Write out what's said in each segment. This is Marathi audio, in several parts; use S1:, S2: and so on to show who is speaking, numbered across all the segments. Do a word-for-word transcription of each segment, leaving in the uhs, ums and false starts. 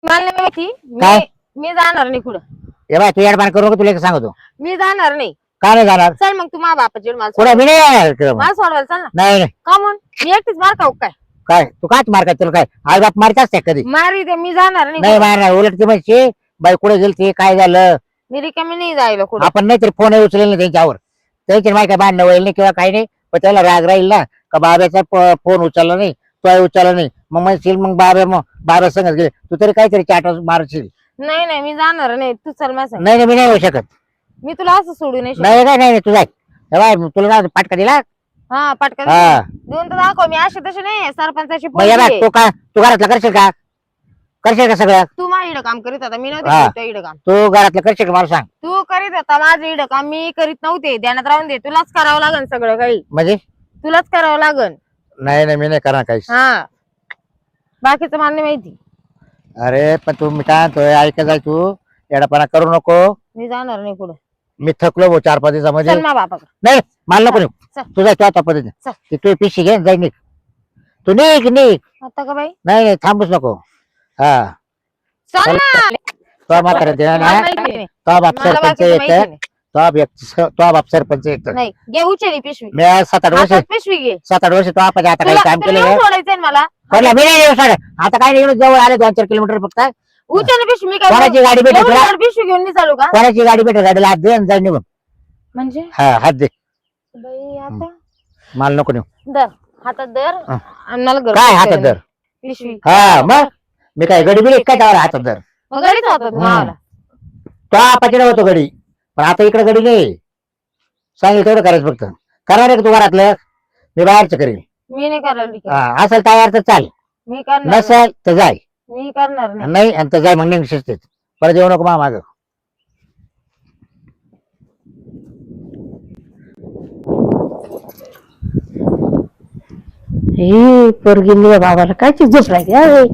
S1: मला नाही माहिती.
S2: काय?
S1: मी मी जाणार नाही कुठं.
S2: ए बाय तू ऍडवान्स करू नको, तुला एक सांगतो.
S1: मी जाणार नाही.
S2: का नाही जाणार?
S1: चल मग तू माझ्या बापाची मला
S2: कुठे मी नाही येणार इकडं मग.
S1: मला सोडवायला चल ना.
S2: नाही नाही
S1: का म्हणून मी एकटीच मार खाऊ काय?
S2: काय तू काच मार काय तुला काय आई बाप मारत असते कधी?
S1: मारी दे, मी जाणार नाही
S2: नाही
S1: कुठं.
S2: मारणार. उलट ती म्हणशी बाई कुठे गेलती काय झालं,
S1: मी रिकामी नाही जायला कुठं.
S2: आपण नाहीतरी फोन उचलेल ना त्यांच्यावर. त्यांची माहिती काय भांडणं होईल नाही किंवा काही नाही, पण त्याला राग राहील ना का बाब्याचा फोन उचलला नाही, तो उचलला नाही. मग म्हणशील मग बाबा मग बाबा संगत गेले, तू तरी काहीतरी चाट मारशील.
S1: नाही नाही मी जाणार नाही. तू चल माझ्या संग.
S2: नाही नाही मी नाही येऊ शकत.
S1: मी तुला असं सोडू नाही शकत.
S2: नाही काय नाही तू जाय. ए बाय तुला काय पाटका दिला?
S1: हा पटकन
S2: हा.
S1: देऊन तर दाखव. मी असे तसे नाही सरपंचाची
S2: मग ये
S1: पोरगी
S2: बाय
S1: आहे.
S2: तू का तू घरातलं करशील का? करशील का सगळं?
S1: तू माझ्या इकडं काम करीत होता. मी
S2: हा.
S1: नव्हते इकडं काम.
S2: तू घरातलं करशील का मला सांग.
S1: तू करीत होता माझं इकडं काम. मी करीत नव्हते. ध्यानात राहून दे. तुलाच करावं लागन सगळं काही.
S2: म्हणजे
S1: तुलाच करावं लागन.
S2: नाही नाही मी नाही करणार काहीच.
S1: हा बाकीचं मला नाही माहिती.
S2: अरे पण तू मी काय म्हणतोय ऐकत जाय, तू येडापणा करू नको.
S1: मी जाणार नाही कुठं.
S2: मी थकलो भाऊ चार पाच दिवसामध्ये.
S1: चल मा बापा
S2: नाही मला नको
S1: चल,
S2: नेऊ.
S1: चल.
S2: तू जाय त्या पद्धतीने.
S1: चल.
S2: ती तू पिशी घे जाय निघ. तू निघ निघ.
S1: आता का बाई.
S2: नाही नाही थांबूच नको. हा
S1: चल ना.
S2: तो म्हातारा दे
S1: मला
S2: ना.
S1: माहिती नाही.
S2: तो बाप
S1: मला
S2: सरपंच
S1: बाकीचं
S2: एक
S1: माहिती नाही.
S2: तो बाप तो बाप सरपंच एक
S1: नाही घे उचली पिशवी.
S2: मी आज सात आठ वर्ष
S1: हातात पिशवी घे.
S2: सात आठ वर्ष तो आपण आता काही
S1: तुला
S2: काम
S1: तुला
S2: केलं
S1: येऊन सोडायचंय ना मला.
S2: कोणला मी नाही येऊ सर. आता काय नाही जवळ आले दोन चार किलोमीटर फक्त.
S1: उचल पिशवी. मी काय
S2: कोणाची गाडी भेटेल
S1: एवढी
S2: तुला?
S1: जड पिशवी घेऊन नाही चालू का?
S2: कोणाची गाडी भेटेल गाडीला हात दे आणि जाय निघून.
S1: म्हणजे
S2: हा हात दे.
S1: बाई आता
S2: मला नको नेऊ.
S1: धर हातात धर.
S2: हा.
S1: आणि मला घर
S2: काय हातात धर?
S1: पिशवी.
S2: हा मग मी काय गडी बिडी काय त्यावर हातात धर?
S1: मग गाडीच हातात मला.
S2: तो आपाच्याकडे होतो गडी, पण आता इकडे गडी नाही. सांगेल तेवढं करायचं फक्त. करणार आहे का तू घरातलं? मी बाहेरचं करेल.
S1: मी नाही करणार.
S2: हा असेल तयार तर चाल,
S1: मी करणार
S2: नसेल तर जाय.
S1: मी करणार नाही.
S2: नाही आणि तर जाय मग नेहमी शिस्तीत. परत येऊ नको मा माग.
S3: हे पोरगी बाबाला कायची झोप राहिली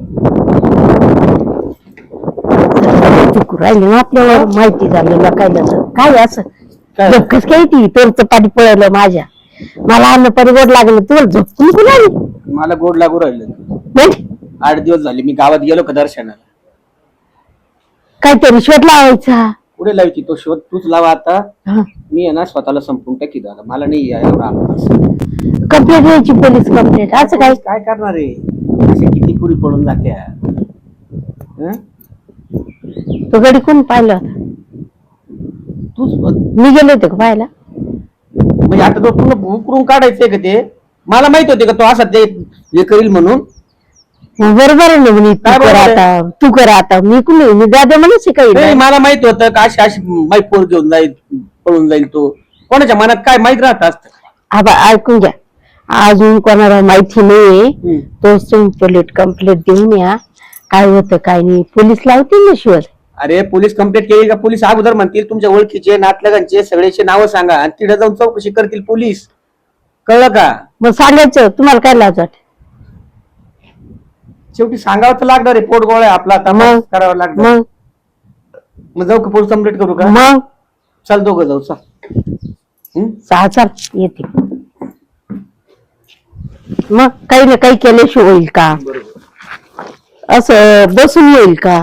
S3: राहिली ना आपल्यावर माहिती झालेलं काय झालं काय असं झोपकच काय ती तोरचं पाणी पळलं माझ्या. मला अन्न पाणी गोड लागलं तुला झोप नको लागली.
S4: मला गोड लागू राहिलं. आठ दिवस झाले मी गावात गेलो का दर्शनाला.
S3: काहीतरी शोध लावायचा.
S4: पुढे लावायची तो शोध तूच लावा आता.
S3: हा.
S4: मी आहे ना स्वतःला संपून टाकी झाला. मला नाही या एवढा अभ्यास.
S3: कंप्लेंट द्यायची पोलीस कंप्लेंट असं काय.
S4: काय करणार आहे असे किती पुरी पडून जात्या. हं?
S3: तो गडी कोण पाहिलं होता?
S4: तूच
S3: मी गेले होते का पाहायला?
S4: म्हणजे आता तो पूर्ण उकरून काढायचंय का ते? मला माहित होते का तो असा ते हे करील म्हणून.
S3: मग बरोबर आहे ना म्हणे
S4: काय
S3: तू कर
S4: बरोबर आहे?
S3: आता तू कर आता मी कुणी मी दादा म्हणून
S4: नाही,
S3: शिकायला.
S4: मला माहित होतं का अशी अशी माई पोर घेऊन जाईल पळून जाईल तो. कोणाच्या मनात काय माहित राहत असत.
S3: आबा ऐकून घ्या अजून कोणाला माहिती नाहीये तोच तुम्ही पोलीस कंप्लेंट देऊन या. काय होतं काय नाही पोलीस लावतील ना शिवाय.
S4: अरे पोलीस कंप्लेंट केली का पोलीस अगोदर म्हणतील तुमच्या ओळखीचे नातलगांचे सगळ्याचे नावं सांगा आणि तिथे जाऊन चौकशी करतील पोलीस. कळलं का?
S3: मग सांगायचं तुम्हाला काय लाज वाटत?
S4: शेवटी सांगावं तर लागणार आहे. पोट गोळा आहे आपला आता मग करावं लागणार.
S3: मग
S4: मग जाऊ का पोलीस कंप्लेंट करू का?
S3: मग
S4: चल दोघं जाऊ चल.
S3: सहा चाल येते. मग काही ना काही केल्याशिवाय होईल का? असं बसून येईल का?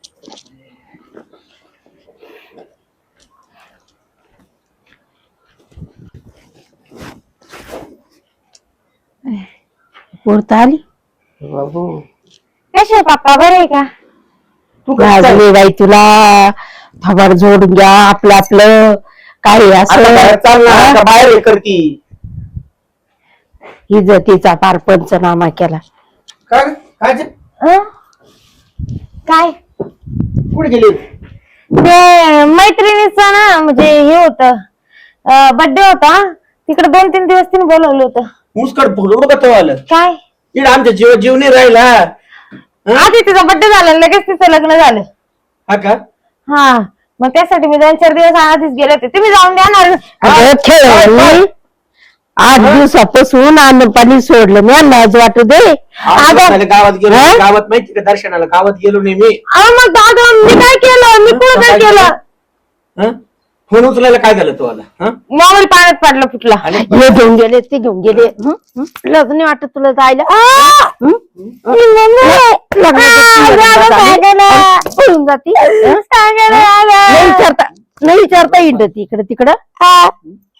S3: पोरता आली
S1: कशा पप्पा बरं आहे का?
S4: तू
S3: गाजले बाई तुला थोबाड जोडून घ्या आपलं आपलं काही असं
S4: बाहेर हे करती
S3: इज्जतीचा पार पंचनामा केला.
S4: काय काय ते?
S1: हं? काय
S4: कुठे गेली?
S1: ते मैत्रिणीचं ना म्हणजे हे होतं बर्थडे होता तिकडे दोन तीन दिवस तिने बोलवलं होतं.
S4: मुस्कट फुगलो का तो आलं?
S1: काय
S4: इकडे आमच्या जीव जीव नाही राहिला.
S1: आधी तिचा बर्थडे झाला लगेच तिचं लग्न झालं.
S4: हा का?
S1: हा मग त्यासाठी मी दोन चार दिवस आधीच गेले होते. तुम्ही जाऊन द्या
S3: अगं खेळ आठ दिवसापासून अन्न पाणी सोडलं मी लाज वाटू दे.
S4: झालं गावात गेलो. गावात माहिती का दर्शनाला गावात गेलो नाही मी.
S1: अहो मग दादा मी काय केलं मी कुठं काय केलं?
S4: हं? फोन उचलायला काय झालं तुम्हाला?
S1: मोबाईल पाण्यात पडला फुटला.
S3: हे घेऊन गेले ते घेऊन गेले. लग्न वाटत तुला जायला.
S1: सांगा ना.
S3: पळून जाती हं?
S1: सांगा ना मला.
S3: नाही विचारता नाही विचारता येईल इकडं तिकडं
S1: हा.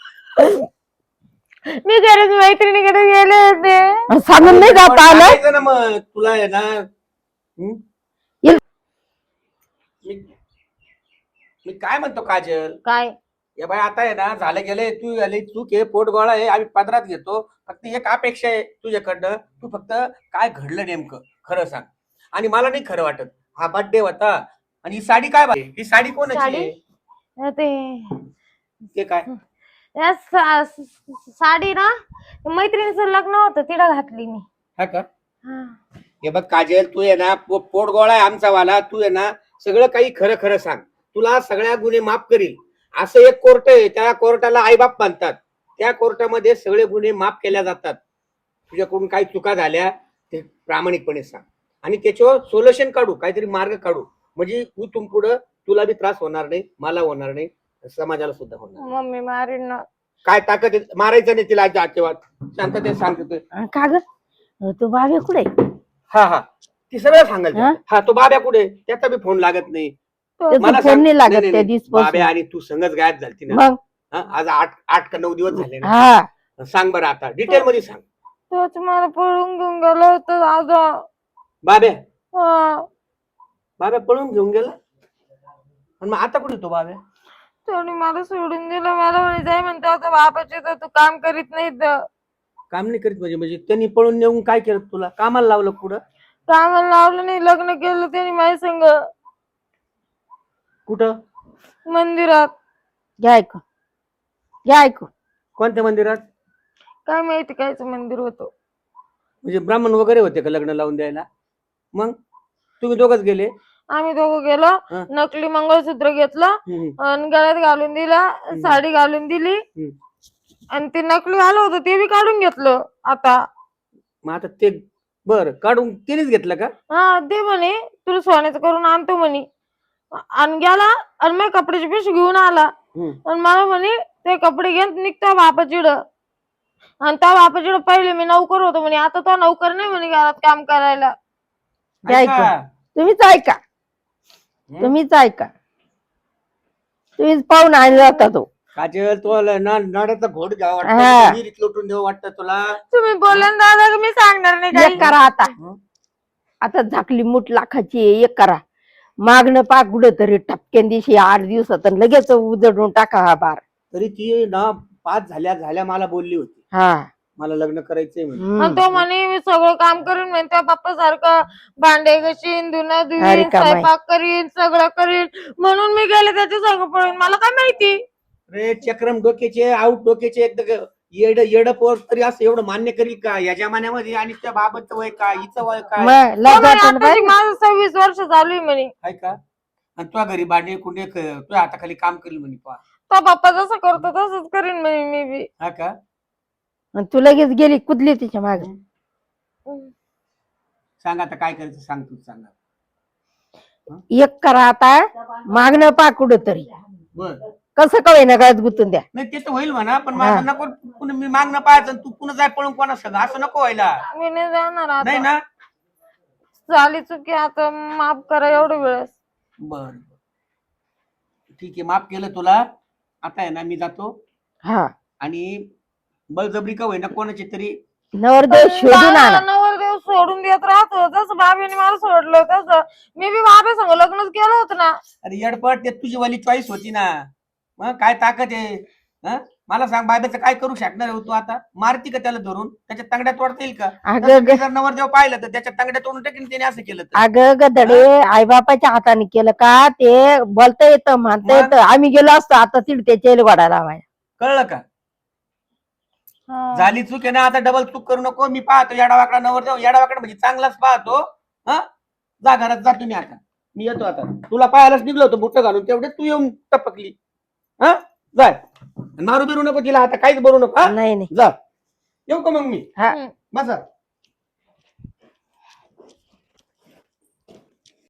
S1: मी गरज मैत्रिणीकडे गेले होते.
S3: सांगून नाही जाता आलं
S4: सांगायचं ना मग तुला आहे ना. हं?
S3: येल-
S4: मी मी काय म्हणतो काजल,
S1: काय
S4: या बाय आता आहे ना झालं गेले, तू आली चूक आहे, पोट गोळा आहे, आम्ही पदरात घेतो. फक्त एक अपेक्षा आहे तुझ्याकडनं, तू फक्त काय घडलं नेमकं खरं सांग. आणि मला नाही खरं वाटत, हा बर्थडे होता आणि ही साडी काय बाई, ही साडी कोणाची
S1: साडी?
S4: आहे?
S1: ते
S4: ते काय
S1: या सा- स- साडी ना मैत्रिणीचं लग्न होतं तिला घातली मी.
S4: हा का?
S1: हा.
S4: हे बघ काजल, तू आहे ना पो- पोट गोळा आहे आमचा वाला, तू आहे ना सगळं काही खरं खरं सांग, तुला सगळ्या गुन्हे माफ करील. असं एक कोर्ट आहे, त्या कोर्टाला आईबाप बांधतात, त्या कोर्टामध्ये सगळे गुन्हे माफ केल्या जातात. तुझ्याकडून काही चुका झाल्या ते प्रामाणिकपणे सांग आणि त्याच्यावर सोल्युशन काढू, काहीतरी मार्ग काढू, म्हणजे तू तुम पुढं तुला बी त्रास होणार नाही, मला होणार नाही, समाजाला सुद्धा होणार नाही.
S1: मम्मी मारीन ना.
S4: काय ताकद आहे? मारायचं नाही तिला आजच्या शांततेत सांगतो.
S3: का ग तो बाबे कुठे
S4: हा हा ती सगळं सांगाल.
S3: हा?
S4: हा तो बाब्या कुठे, त्याचा बी फोन लागत नाही.
S3: त्याचा
S4: मला
S3: फोन
S4: सांग.
S3: नाही लागत
S4: नाही,
S3: त्या
S4: नाही,
S3: दिवसापासून.
S4: बाब्या आणि तू संगच गायब झालती ना.
S3: मग
S4: हा, आज आठ आठ का नऊ दिवस झाले ना.
S3: हा
S4: सांग बरं आता डिटेल मध्ये सांग.
S1: तोच मला पळून घेऊन गेलो होतो दादा.
S4: बाब्या
S1: हा.
S4: बाब्या पळून घेऊन गेला आणि मग आता कुठे तो बाब्या?
S1: त्याने मला सोडून दिलं. मला म्हणे जाय म्हणते आता बापाचे तर तू काम करीत नाही तर.
S4: काम नाही करीत म्हणजे म्हणजे त्यांनी पळून नेऊन काय केलं तुला? कामाला लावलं कुठं?
S1: कामाला लावलं नाही, लग्न केलं त्याने माझ्या संग
S4: कुठं?
S1: मंदिरात.
S3: घ्या ऐकू घ्या ऐकू
S4: कोणत्या मंदिरात?
S1: काय माहिती कायच मंदिर होतं.
S4: म्हणजे ब्राह्मण वगैरे होते का लग्न लावून द्यायला? मग तुम्ही दोघच गेले?
S1: आम्ही दोघं गेलो.
S4: हा.
S1: नकली मंगळसूत्र घेतलं
S4: हम्म,
S1: आणि गळ्यात घालून दिला, साडी घालून दिली
S4: हम्म.
S1: आणि ते नकली आलं होतं ते बी काढून घेतलं. आता
S4: मग आता ते बर काढून तिनेच घेतलं का?
S1: हा दे म्हणे तुला सोन्याचं करून आणतो म्हणे. आणि गेला आणि मग कपड्याची पिशवी घेऊन आला
S4: हम्म.
S1: आणि मला म्हणे ते कपडे घेऊन निघता बापाचिड. आणि त्या बापाचिड पहिले मी नौकर होतो म्हणे, आता तो नौकर नाही म्हणे घरात काम करायला.
S3: घ्या ऐकू
S4: ऐका.
S3: तुम्हीच ऐका तुम्हीच ऐका तुम्हीच पाहून आणला जाता तो
S4: काजल तो नाड्याचा घोट घ्यावा
S3: हा.
S4: वाटतं, विहिरीत लोटून देऊ वाटतं तुला?
S1: तुम्ही बोला ना दादा मी सांगणार नाही
S3: एक
S1: काही.
S3: करा आता आता झाकली मूठ लाखाची आहे, एक करा मागणं पाक कुठं तरी टपक्यान दिवशी आठ दिवसात आणि लगेच उजडून टाका हा बार.
S4: तरी ती ना पाच झाल्या झाल्या मला बोलली होती
S3: हा
S4: मला लग्न करायचंय म्हणे.
S3: हम्म.
S1: आणि तो म्हणे मी सगळं काम करीन म्हणे, त्या बाप्पा सारखं भांडे घासीन, धुणं
S3: अरे
S1: धुईन,
S3: कमाई.
S1: स्वयंपाक करीन, सगळं करीन. म्हणून मी गेले त्याच्या संग पळून. मला काय माहिती.
S4: रे चक्रम डोक्याचे आऊट डोक्याचे एकदम येड येड पोर तरी असं एवढं मान्य करील का या जमान्यामध्ये? आणि त्या बाबाचं वय काय, हिचं वय काय
S3: मग
S1: तो
S3: लय
S1: म्हणे,
S3: जातं ना
S1: आताशी
S3: बाई.
S1: माझं सव्वीस वर्ष चालू आहे म्हणे.
S4: आहे का? आणि तुझ्या घरी भांडे कुंडे क- तुझ्या हाताखाली काम करील म्हणे पहा.
S1: तो बाप्पा जसं करतो तसंच करीन म्हणे मी बी.
S4: हा का?
S3: आणि तू लगेच गेली कुदली तिच्या मागे.
S4: सांग आता काय करायचं, सांग तू सांगा.
S3: एक करा आता मागणं पाक कुठं तरी
S4: बर
S3: कसं कळे ना गळ्यात गुंतून द्या.
S4: नाही ते तर होईल म्हणा, पण माझं नको पुन्हा मी मागणं पाहायचं आणि तू पुन्हा जाय पळून कोणा सगळं असं नको व्हायला.
S1: मी नाही जाणार
S4: नाही
S1: आता.
S4: ना?
S1: झाली चुकी आता माफ करा एवढं वेळेस.
S4: बर ठीक आहे, माफ केलं तुला. आता आहे ना मी जातो
S3: हा
S4: आणि बळजबरी का होईना कोणाची तरी
S3: नवरदेव शोधून
S1: दादा
S3: आणा.
S1: नवरदेव सोडून देत राहतो जसं बाबीने मला सोडलं तसं मी बी बाबे संग लग्नच केलं होतं ना.
S4: अरे येडपट, ते तुझी वाली चॉईस होती ना. मग काय ताकद आहे? हं? मला सांग बाब्याचं काय करू शकणार आहे तू? आता मारती का त्याला धरून? त्याच्या तांगड्या तोडता येईल का?
S3: अगं
S4: तसं
S3: ग-
S4: मी जर नवरदेव पाहिलं तर त्याच्या तांगड्या तोडून टाकीन त्याने असं केलं तर.
S3: अगं गदडे आईबापाच्या हाताने केलं का ते बोलता येतं म्हणता
S4: मग?
S3: येतं. आम्ही गेलो असतो आता तिड त्याच्या वाढायला माझ्या.
S4: कळलं का?
S1: हा.
S4: झाली चूक आहे ना, आता डबल चूक करू नको. मी पाहतो येडावाकडा नवरदेव, येडावाकडा म्हणजे चांगलाच पाहतो. हा जा घरात जा तुम्ही आता. मी येतो आता. तुला पाहायलाच निघलो होतो बुट घालून, तेवढे तू येऊन टपकली. हा जाय मारू बिरू नको तिला आता, काहीच बोलू नको. हा?
S3: नाही नाही
S4: जा. येऊ का मग मी?
S3: हा
S1: हम्म.
S4: बसा.